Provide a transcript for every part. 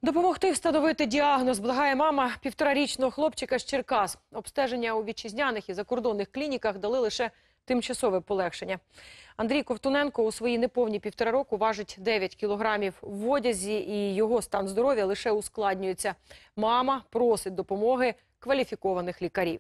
Допомогти встановити діагноз благає мама півторарічного хлопчика з Черкас. Обстеження у вітчизняних і закордонних клініках дали лише тимчасове полегшення. Андрій Ковтуненко у свої неповні 1,5 року важить 9 кілограмів в одязі, і його стан здоров'я лише ускладнюється. Мама просить допомоги кваліфікованих лікарів.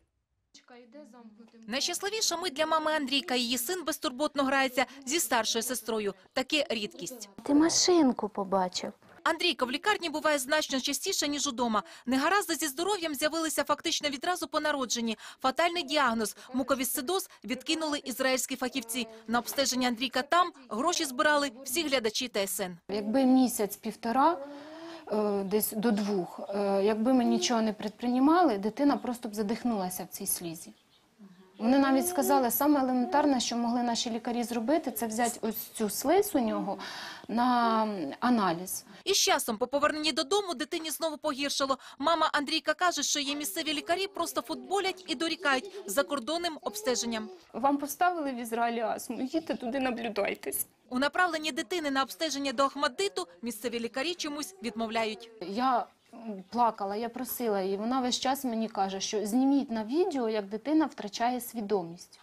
Найщасливіша мить для мами Андрійка. Її син безтурботно грається зі старшою сестрою. Таке рідкість. Ти машинку побачив. Андрійка в лікарні буває значно частіше, ніж удома. Негаразди зі здоров'ям з'явилися фактично відразу по народженні. Фатальний діагноз – муковісцидоз відкинули ізраїльські фахівці. На обстеження Андрійка там гроші збирали всі глядачі ТСН. Якби місяць-півтора, десь до 2, якби ми нічого не предприймали, дитина просто б задихнулася в цій слізі. Вони навіть сказали, саме елементарне, що могли наші лікарі зробити, це взяти ось цю слизь у нього на аналіз. І з часом, по поверненні додому, дитині знову погіршало. Мама Андрійка каже, що її місцеві лікарі просто футболять і дорікають закордонним обстеженням. Вам поставили в Ізраїлі астму, їдьте туди, наблюдайтесь. У направленні дитини на обстеження до Ахмаддиту місцеві лікарі чомусь відмовляють. Я плакала, я просила її, вона весь час мені каже, що зніміть на відео, як дитина втрачає свідомість.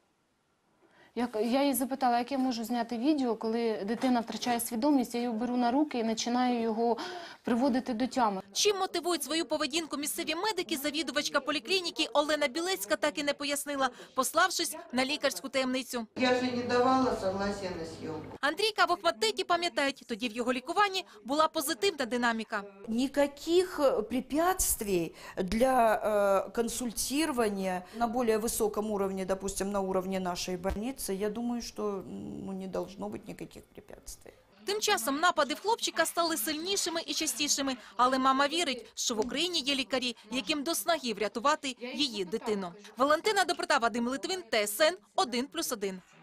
Я її запитала, як я можу зняти відео, коли дитина втрачає свідомість, я його беру на руки і починаю його приводити до тями. Чим мотивують свою поведінку місцеві медики, завідувачка поліклініки Олена Білецька так і не пояснила, пославшись на лікарську таємницю. Я же не давала согласия на съемку. Андрійка в Ахмаддиті пам'ятають, тоді в його лікуванні була позитивна динаміка. Никаких препятствий для консультирования на более высоком уровне, допустим, на уровне нашей больницы, я думаю, что не должно быть никаких препятствий. Тим часом напади в хлопчика стали сильнішими і частішими, але мама вірить, що в Україні є лікарі, яким до снаги врятувати її дитину. Валентина Доброта, Вадим Литвин, ТСН 1+1.